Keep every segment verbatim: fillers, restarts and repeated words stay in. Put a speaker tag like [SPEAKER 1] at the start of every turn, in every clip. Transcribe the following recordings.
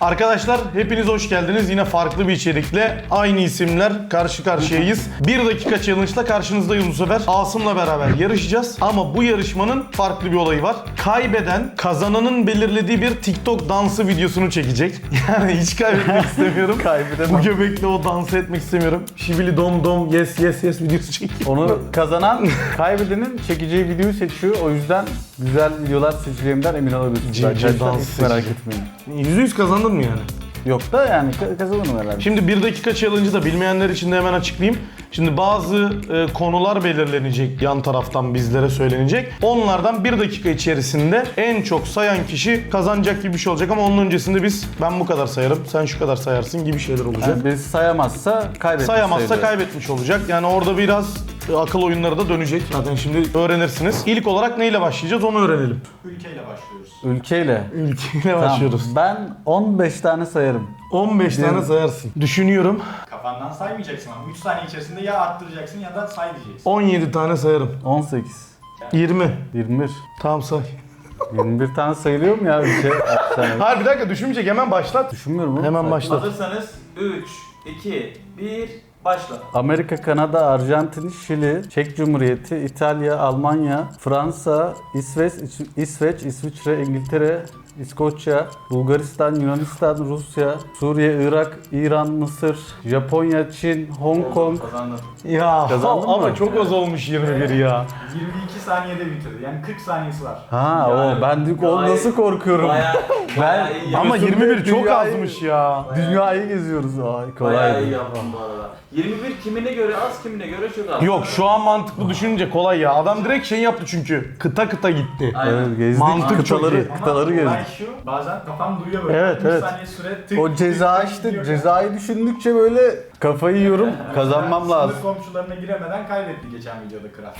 [SPEAKER 1] Arkadaşlar hepiniz hoş geldiniz. Yine farklı bir içerikle aynı isimler karşı karşıyayız. Bir dakika challenge'la karşınızdayız bu sefer. Asım'la beraber yarışacağız. Ama bu yarışmanın farklı bir olayı var. Kaybeden kazananın belirlediği bir TikTok dansı videosunu çekecek. Yani hiç kaybetmek istemiyorum.
[SPEAKER 2] Kaybedemem.
[SPEAKER 1] Bu göbekle o dansı etmek istemiyorum. Şibili dom dom yes yes yes videosu çekiyor.
[SPEAKER 2] Onu kazanan kaybedenin çekeceği videoyu seçiyor. O yüzden güzel videolar seçeceğimden emin olabilirsiniz.
[SPEAKER 1] C C
[SPEAKER 2] Arkadaşlar
[SPEAKER 1] dans
[SPEAKER 2] hiç merak
[SPEAKER 1] seçecek.
[SPEAKER 2] etmeyin.
[SPEAKER 1] yüzde yüz kazandın mı yani?
[SPEAKER 2] Yok da yani ka- kazanırım herhalde.
[SPEAKER 1] Şimdi bir dakika challenge'ı da bilmeyenler için de hemen açıklayayım. Şimdi bazı e, konular belirlenecek, yan taraftan bizlere söylenecek. Onlardan bir dakika içerisinde en çok sayan kişi kazanacak gibi bir şey olacak ama onun öncesinde biz ben bu kadar sayarım, sen şu kadar sayarsın gibi şeyler olacak.
[SPEAKER 2] Yani birisi sayamazsa kaybetmiş
[SPEAKER 1] Sayamazsa
[SPEAKER 2] sayılıyor.
[SPEAKER 1] kaybetmiş olacak. Yani orada biraz e, akıl oyunları da dönecek. Zaten şimdi öğrenirsiniz. İlk olarak neyle başlayacağız onu öğrenelim.
[SPEAKER 3] Ülkeyle başlıyoruz.
[SPEAKER 2] Ülkeyle.
[SPEAKER 1] Ülkeyle
[SPEAKER 2] Tamam.
[SPEAKER 1] başlıyoruz.
[SPEAKER 2] Ben on beş tane sayarım.
[SPEAKER 1] on beş tane sayarsın. Düşünüyorum.
[SPEAKER 3] Kafandan saymayacaksın ama üç saniye içerisinde ya arttıracaksın ya da say diyeceksin.
[SPEAKER 1] on yedi tane sayarım.
[SPEAKER 2] on sekiz.
[SPEAKER 1] yirmi.
[SPEAKER 2] yirmi bir.
[SPEAKER 1] Tamam say.
[SPEAKER 2] yirmi bir tane sayılıyor mu ya ülke? altı tane.
[SPEAKER 1] Hayır bir dakika düşünmeyecek hemen başlat.
[SPEAKER 2] Düşünmüyorum oğlum.
[SPEAKER 1] Hemen
[SPEAKER 2] Say.
[SPEAKER 1] başlat.
[SPEAKER 4] Hazırsanız üç, iki, bir, başla.
[SPEAKER 2] Amerika, Kanada, Arjantin, Şili, Çek Cumhuriyeti, İtalya, Almanya, Fransa, İsveç, İs- İsveç, İsviçre, İngiltere, İskoçya, Bulgaristan, Yunanistan, Rusya, Suriye, Irak, İran, Mısır, Japonya, Çin, Hong Kong.
[SPEAKER 4] Kazandın.
[SPEAKER 1] Ya
[SPEAKER 2] Kazandın
[SPEAKER 1] ama
[SPEAKER 2] mı?
[SPEAKER 1] çok az olmuş yirmi bir ya.
[SPEAKER 3] yirmi iki saniyede bitirdi. Yani kırk saniyesi var.
[SPEAKER 2] Ha
[SPEAKER 4] Yani
[SPEAKER 2] o ben diyor o
[SPEAKER 4] gayet-
[SPEAKER 2] nasıl korkuyorum.
[SPEAKER 4] Bayağı, bayağı
[SPEAKER 2] Ben-
[SPEAKER 4] iyi
[SPEAKER 1] Ama
[SPEAKER 4] yaptın.
[SPEAKER 1] yirmi bir çok
[SPEAKER 2] Dünyayı-
[SPEAKER 1] azmış ya.
[SPEAKER 2] Dünyayı geziyoruz. Ay
[SPEAKER 4] Bayağı iyi
[SPEAKER 2] kolay.
[SPEAKER 4] yaptın bu arada. yirmi bir kimine göre az, kimine göre çok az.
[SPEAKER 1] Yok şu an mantıklı düşününce kolay ya. Adam direkt şey yaptı çünkü. Kıta kıta gitti.
[SPEAKER 4] Aynen.
[SPEAKER 2] Evet gezdik
[SPEAKER 1] Mantık çok iyi.
[SPEAKER 2] kıtaları,
[SPEAKER 3] Ama
[SPEAKER 2] kıtaları
[SPEAKER 3] olay
[SPEAKER 2] gezdik.
[SPEAKER 3] şu, bazen kafam duyuyor böyle.
[SPEAKER 1] Evet,
[SPEAKER 3] üç
[SPEAKER 1] evet.
[SPEAKER 3] saniye süre tık
[SPEAKER 2] O
[SPEAKER 3] tık
[SPEAKER 2] ceza
[SPEAKER 3] tık
[SPEAKER 2] işte
[SPEAKER 3] gidiyor.
[SPEAKER 2] cezayı düşündükçe böyle kafayı yiyorum. Kazanmam
[SPEAKER 3] Sınır
[SPEAKER 2] lazım.
[SPEAKER 3] komşularına giremeden kaybetti geçen videoda kral.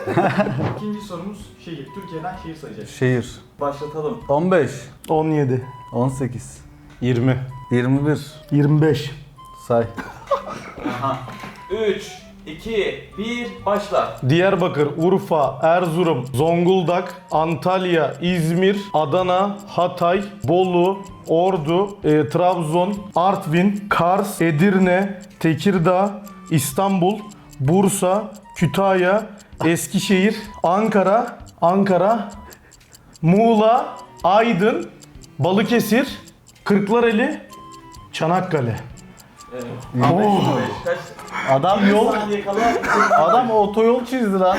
[SPEAKER 3] İkinci sorumuz şehir. Türkiye'den şehir sayacağız.
[SPEAKER 2] Şehir.
[SPEAKER 4] Başlatalım.
[SPEAKER 2] on beş,
[SPEAKER 1] on yedi.
[SPEAKER 2] on sekiz,
[SPEAKER 1] yirmi.
[SPEAKER 2] yirmi bir.
[SPEAKER 1] yirmi beş.
[SPEAKER 2] Say.
[SPEAKER 4] Aha. üç, iki, bir, başla.
[SPEAKER 1] Diyarbakır, Urfa, Erzurum, Zonguldak, Antalya, İzmir, Adana, Hatay, Bolu, Ordu, e, Trabzon, Artvin, Kars, Edirne, Tekirdağ, İstanbul, Bursa, Kütahya, Eskişehir, Ankara, Ankara, Muğla, Aydın, Balıkesir, Kırklareli, Çanakkale.
[SPEAKER 4] Evet.
[SPEAKER 1] Oh.
[SPEAKER 4] Kaç?
[SPEAKER 2] Adam yol
[SPEAKER 4] saniye kala.
[SPEAKER 2] adam otoyol çizdi lan.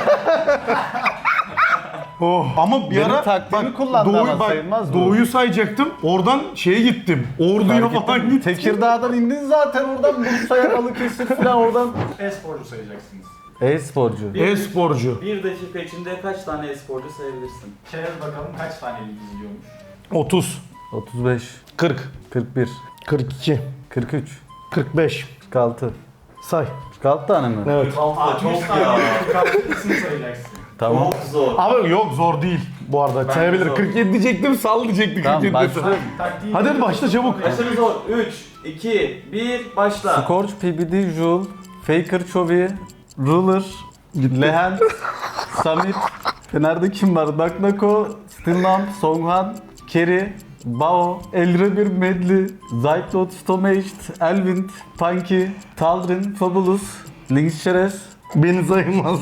[SPEAKER 1] Oh. Ama bir
[SPEAKER 2] Benim
[SPEAKER 1] ara
[SPEAKER 2] taktiğimi kullandı ama
[SPEAKER 1] bak,
[SPEAKER 2] sayılmaz mı?
[SPEAKER 1] Doğuyu sayacaktım. Oradan şeye gittim. Ordu'ya falan gittim.
[SPEAKER 2] Tekirdağ'dan indin zaten oradan Bursa'ya Balıkesir falan oradan.
[SPEAKER 3] E-sporcu sayacaksınız.
[SPEAKER 2] E-sporcu.
[SPEAKER 1] E-sporcu.
[SPEAKER 4] Bir dakika içinde kaç tane e-sporcu sayabilirsin?
[SPEAKER 3] Çerez bakalım kaç tane lig izliyormuş.
[SPEAKER 1] otuz,
[SPEAKER 2] otuz beş,
[SPEAKER 1] kırk,
[SPEAKER 2] kırk bir,
[SPEAKER 1] kırk iki,
[SPEAKER 2] kırk üç,
[SPEAKER 1] kırk beş.
[SPEAKER 2] kırk altı.
[SPEAKER 1] Say.
[SPEAKER 2] kırk altı tane mi?
[SPEAKER 1] Evet.
[SPEAKER 4] Altı
[SPEAKER 3] Çok
[SPEAKER 4] çok ya.
[SPEAKER 3] ya. İsim sayacaksın.
[SPEAKER 2] Tamam.
[SPEAKER 4] Çok zor.
[SPEAKER 1] Abi yok zor değil bu arada.
[SPEAKER 4] Ben
[SPEAKER 1] Sayabilir.
[SPEAKER 4] zor.
[SPEAKER 1] kırk yedi diyecektim, sal diyecektim.
[SPEAKER 2] Tamam,
[SPEAKER 1] kırk yedi
[SPEAKER 2] başlıyorum.
[SPEAKER 1] desem.
[SPEAKER 3] Taktiği
[SPEAKER 1] Hadi hadi başla çabuk.
[SPEAKER 4] Aşırı zor. üç, iki, bir, başla.
[SPEAKER 2] Scorch, P B D, Joule, Faker, Chovy, Ruler, Lehen, Samit, Fener'de kim var? Naknako, Stinlamp, Songhan, Kerry, Bao, Elrebir, Medli, Zyklot, Stomaged, Elvind, Punky, Taldrin, Fabulous, Lynx Şeref,
[SPEAKER 1] Beni sayılmaz.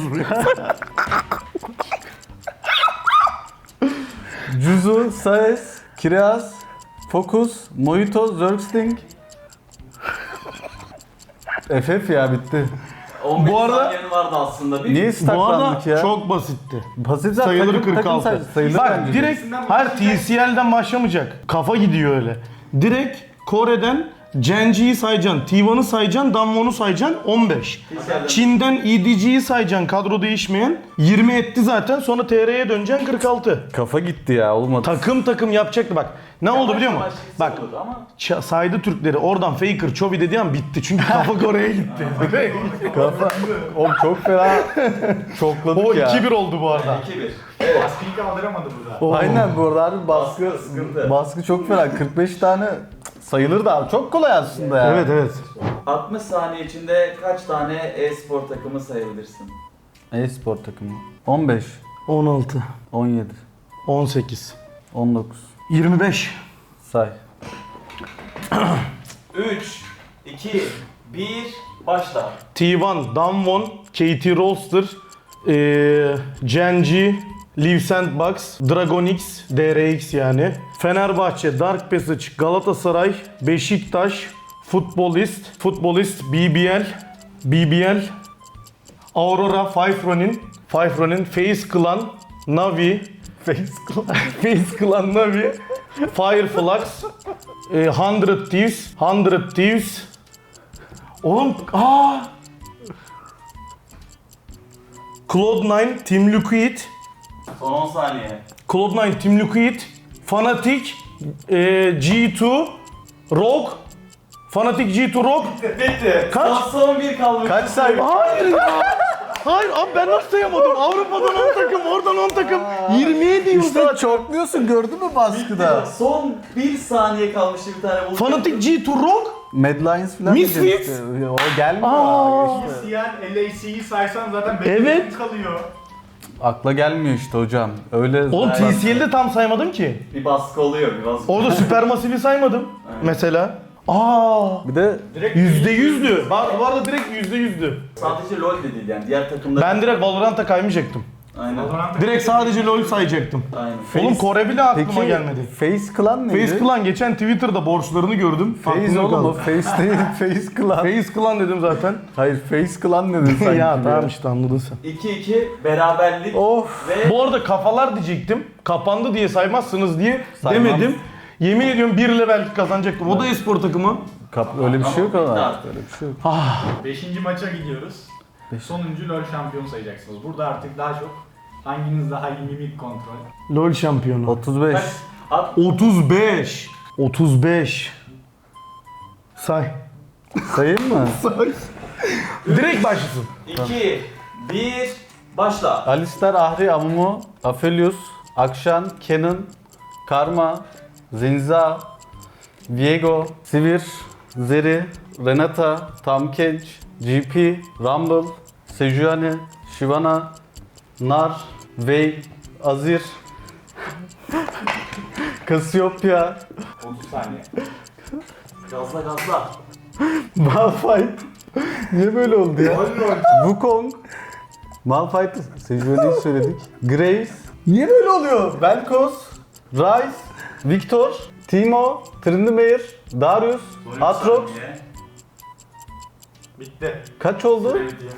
[SPEAKER 2] Juzu, Saez, Kireaz, Focus, Mojito, Zergsting, F F ya bitti.
[SPEAKER 4] on beş
[SPEAKER 1] Bu arada-
[SPEAKER 4] saniyen vardı aslında. Bir
[SPEAKER 2] Niye
[SPEAKER 1] bu arada
[SPEAKER 2] staklandık ya?
[SPEAKER 1] çok basitti.
[SPEAKER 2] Basit zaten.
[SPEAKER 1] Sayılır
[SPEAKER 2] takım- takım
[SPEAKER 1] kırk altı.
[SPEAKER 2] say- sayılır
[SPEAKER 1] Bak
[SPEAKER 2] bence.
[SPEAKER 1] direkt her T C L'den başlamayacak. Kafa gidiyor öyle. Direkt Kore'den Genji'yi sayacaksın, T bir'ı sayacaksın, Damwon'u sayacaksın on beş. Çin'den E D G'yi sayacaksın, kadro değişmeyen yirmi etti zaten, sonra T R'ye döneceksin kırk altı.
[SPEAKER 2] Kafa gitti ya olmadı.
[SPEAKER 1] Takım takım yapacaktı bak. Ne oldu biliyor musun? Bak
[SPEAKER 4] Ama
[SPEAKER 1] ça- saydı Türkleri, oradan Faker, Chovy dediği an bitti. Çünkü kafa Kore'ye gitti.
[SPEAKER 2] Kafa. Oğlum çok fena çokladık
[SPEAKER 1] O
[SPEAKER 2] ya.
[SPEAKER 1] iki bir oldu bu arada.
[SPEAKER 4] iki bir.
[SPEAKER 3] Baskıyı kaldıramadı burada.
[SPEAKER 1] Oo.
[SPEAKER 2] Aynen bu arada abi baskı,
[SPEAKER 4] Baskı sıkıntı.
[SPEAKER 2] baskı çok fena. kırk beş tane sayılır da abi. Çok kolay aslında ya.
[SPEAKER 1] Evet evet.
[SPEAKER 4] altmış saniye içinde kaç tane e-spor takımı sayabilirsin?
[SPEAKER 2] E-spor takımı. on beş,
[SPEAKER 1] on altı,
[SPEAKER 2] on yedi,
[SPEAKER 1] on sekiz,
[SPEAKER 2] on dokuz.
[SPEAKER 1] yirmi beş,
[SPEAKER 2] Say.
[SPEAKER 4] üç, iki, bir, başla.
[SPEAKER 1] T bir, Damwon, K T Rolster, ee, Genji, Liv Sandbox, Dragonix, D R X yani. Fenerbahçe, Dark Passage, Galatasaray, Beşiktaş, Futbolist, Futbolist, B B L, B B L, Aurora, Five Ronin, Five Ronin, Face Clan, Navi, Face Clan, Face Clan, Navi, Fireflux, e, Hundred Thieves, Hundred Thieves. Oğlum, aa! Cloud nine, Team Liquid,
[SPEAKER 4] Son on saniye.
[SPEAKER 1] Cloud nine, Team Liquid, Fnatic, e, G iki, Rogue, Fnatic G iki Rogue.
[SPEAKER 4] Bitti.
[SPEAKER 1] Kaç?
[SPEAKER 4] Son, son bir kalmış.
[SPEAKER 2] Kaç say?
[SPEAKER 1] Hayır ya! Hayır abi ben nasıl sayamadım? Avrupa'dan on takım, oradan on takım. yirmi yedi
[SPEAKER 2] İşte çokluyorsun, gördün mü baskıda?
[SPEAKER 4] Son bir saniye kalmıştı bir tane bulacak.
[SPEAKER 1] Fnatic G iki Rogue.
[SPEAKER 2] Mad Lions falan
[SPEAKER 1] Misfits.
[SPEAKER 2] diyeceksin işte. O gelmiyor.
[SPEAKER 1] Aa.
[SPEAKER 2] Aa, işte.
[SPEAKER 3] C N, L A C'yi saysan zaten beş
[SPEAKER 1] Evet.
[SPEAKER 3] kalıyor.
[SPEAKER 2] Akla gelmiyor işte hocam. Öyle
[SPEAKER 1] Oğlum
[SPEAKER 2] bak-
[SPEAKER 1] T C L'de tam saymadım ki.
[SPEAKER 4] Bir baskı oluyor, bir baskı.
[SPEAKER 1] Orada Supermassive'i saymadım mesela. Aa,
[SPEAKER 2] Bir de
[SPEAKER 3] Direkt
[SPEAKER 1] yüzde yüzdü. Bak bu arada direkt yüzde yüzdü.
[SPEAKER 4] Sadece LoL de değil yani diğer takımda.
[SPEAKER 1] Ben direkt Valorant'a kaymayacaktım.
[SPEAKER 4] Aynen.
[SPEAKER 3] Valorant'a
[SPEAKER 1] Direkt sadece LoL sayacaktım.
[SPEAKER 4] Aynen.
[SPEAKER 1] Oğlum Kore bile aklıma
[SPEAKER 2] peki
[SPEAKER 1] gelmedi.
[SPEAKER 2] Face Clan neydi?
[SPEAKER 1] Face Clan geçen Twitter'da borçlarını gördüm.
[SPEAKER 2] Face
[SPEAKER 1] Aklımda
[SPEAKER 2] oğlum o
[SPEAKER 1] kaldı.
[SPEAKER 2] Face değil. Face Clan.
[SPEAKER 1] Face Clan dedim zaten.
[SPEAKER 2] Hayır Face Clan dedin sanki.
[SPEAKER 1] ya
[SPEAKER 2] bir
[SPEAKER 1] tamam işte anladın sen.
[SPEAKER 4] iki iki beraberlik
[SPEAKER 2] Of.
[SPEAKER 4] ve
[SPEAKER 1] Bu arada kafalar diyecektim. Kapandı diye saymazsınız diye
[SPEAKER 2] Saymam.
[SPEAKER 1] demedim. Yemin ediyorum bir ile belki kazanacaktım. O da e-spor takımı.
[SPEAKER 2] Kap öyle bir şey yok
[SPEAKER 4] Ama
[SPEAKER 2] ama.
[SPEAKER 4] bitti
[SPEAKER 2] Öyle bir şey yok.
[SPEAKER 3] beşinci maça gidiyoruz. Sonuncu LoL şampiyonu sayacaksınız. Burada artık daha çok hanginiz daha iyi mimik kontrol.
[SPEAKER 1] LoL şampiyonu.
[SPEAKER 2] otuz beş.
[SPEAKER 4] Kaç? At.
[SPEAKER 1] otuz beş. otuz beş. Say.
[SPEAKER 2] Sayayım mı?
[SPEAKER 1] Say. Direkt başlasın.
[SPEAKER 4] iki bir başla.
[SPEAKER 2] Alistar, Ahri, Amumu, Aphelios, Akshan, Kenan, Karma, Zenza, Viego, Sivir, Zeri, Renata, Tamkench, G P, Rumble, Sejuani, Shyvana, Nar, Vey, Azir, Cassiopeia,
[SPEAKER 3] otuz saniye.
[SPEAKER 4] Gazla gazla.
[SPEAKER 2] Malphite. Niye böyle oldu ya? Wukong, Malphite, Sejuani'yi söyledik. Graves. Niye böyle oluyor? Vel'Koz, Ryze, Victor, Timo, Tryndamere, Darius,
[SPEAKER 4] Son üç
[SPEAKER 2] Aatrox.
[SPEAKER 4] saniye.
[SPEAKER 3] Bitti.
[SPEAKER 2] Kaç oldu?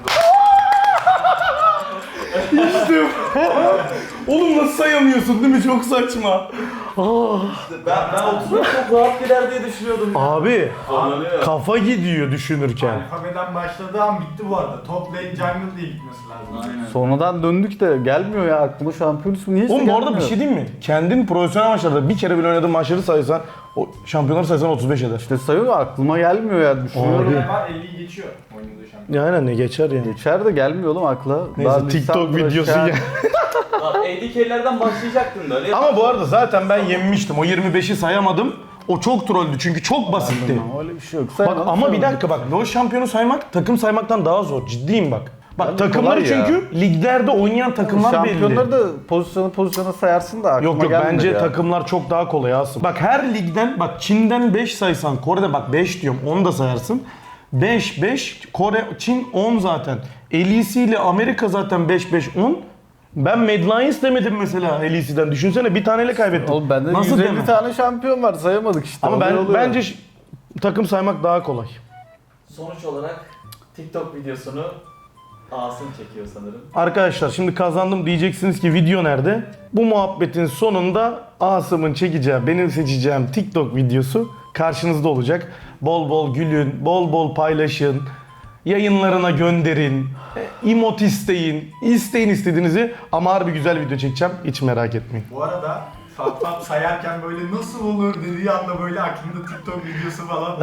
[SPEAKER 1] Oğlum nasıl sayamıyorsun değil mi? Çok saçma.
[SPEAKER 4] Ben, ben otuz çok rahat gider diye düşünüyordum.
[SPEAKER 1] Abi
[SPEAKER 4] Zorlanıyor.
[SPEAKER 1] kafa gidiyor düşünürken.
[SPEAKER 3] Alfabeden başladığı an bitti bu arada. Top lane jungle diye gitmesi lazım.
[SPEAKER 4] Aynen.
[SPEAKER 2] Sonradan döndük de gelmiyor ya aklıma şampiyon ismi niye işte
[SPEAKER 1] Oğlum bu arada
[SPEAKER 2] gelmiyor?
[SPEAKER 1] bir şey diyeyim mi? Kendin profesyonel maçlarda bir kere bile oynadığın maçları saysan, o şampiyonları saysan otuz beş eder.
[SPEAKER 2] İşte sayıyor da aklıma gelmiyor ya düşünüyorum.
[SPEAKER 1] Abi.
[SPEAKER 3] Ne var? elliyi geçiyor oynadığı şampiyon.
[SPEAKER 1] Ya aynen ne geçer yani.
[SPEAKER 2] Geçer de gelmiyor oğlum akla.
[SPEAKER 1] Neyse
[SPEAKER 2] Daha
[SPEAKER 1] TikTok
[SPEAKER 2] Lisandro,
[SPEAKER 1] videosu
[SPEAKER 2] Shen-
[SPEAKER 1] gel.
[SPEAKER 4] Bak A D K'lerden başlayacaktın da öyle.
[SPEAKER 1] Ama bu arada zaten ben yenmiştim. O yirmi beşi sayamadım. O çok trolldü çünkü çok basitti.
[SPEAKER 2] Öyle bir şey yok.
[SPEAKER 1] Bak
[SPEAKER 2] Sayalım,
[SPEAKER 1] ama bir
[SPEAKER 2] sayalım.
[SPEAKER 1] dakika bak LoL şampiyonu saymak takım saymaktan daha zor. Ciddiyim bak. Bak
[SPEAKER 2] Bence
[SPEAKER 1] takımları
[SPEAKER 2] kolay ya.
[SPEAKER 1] çünkü liglerde oynayan takımlar belli.
[SPEAKER 2] Şampiyonları da pozisyonu pozisyona sayarsın da aklıma
[SPEAKER 1] Yok yok
[SPEAKER 2] gelmedi
[SPEAKER 1] bence
[SPEAKER 2] ya.
[SPEAKER 1] takımlar çok daha kolay Asım. Bak her ligden bak Çin'den beş saysan Kore'de bak beş diyorum onu da sayarsın. beş beş Kore Çin on zaten. L E C ile Amerika zaten beş beş on. Ben Mad Lions demedim mesela L E C'den. Düşünsene bir taneyle kaybettim.
[SPEAKER 2] Oğlum bende
[SPEAKER 1] Nasıl
[SPEAKER 2] yüz elli
[SPEAKER 1] demem?
[SPEAKER 2] tane şampiyon var sayamadık işte.
[SPEAKER 1] Ama
[SPEAKER 2] Oluyor,
[SPEAKER 1] ben
[SPEAKER 2] oluyor.
[SPEAKER 1] bence ş- takım saymak daha kolay.
[SPEAKER 4] Sonuç olarak TikTok videosunu Asım çekiyor sanırım.
[SPEAKER 1] Arkadaşlar şimdi kazandım diyeceksiniz ki video nerede? Bu muhabbetin sonunda Asım'ın çekeceği, benim seçeceğim TikTok videosu karşınızda olacak. Bol bol gülün, bol bol paylaşın, yayınlarına gönderin, emot isteyin, isteyin istediğinizi ama harbi güzel video çekeceğim hiç merak etmeyin.
[SPEAKER 3] Bu arada Fat Fat sayarken böyle nasıl olur dediği anda böyle aklında TikTok videosu falan.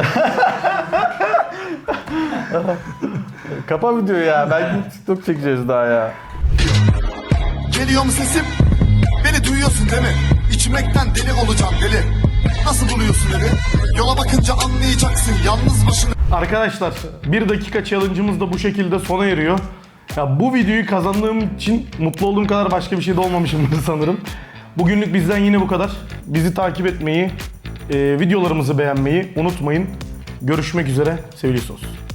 [SPEAKER 2] Kapa videoyu ya. Ben gidip TikTok çekeceğiz daha ya.
[SPEAKER 5] Geliyor mu sesim? Beni duyuyorsun değil mi? İçmekten deli olacağım deli. Nasıl buluyorsun evi? Yola bakınca anlayacaksın yalnız başına.
[SPEAKER 1] Arkadaşlar bir dakika challenge'ımız da bu şekilde sona eriyor. Ya bu videoyu kazandığım için mutlu olduğum kadar başka bir şey de olmamışımdır sanırım. Bugünlük bizden yine bu kadar. Bizi takip etmeyi, e, videolarımızı beğenmeyi unutmayın. Görüşmek üzere sevgili sos.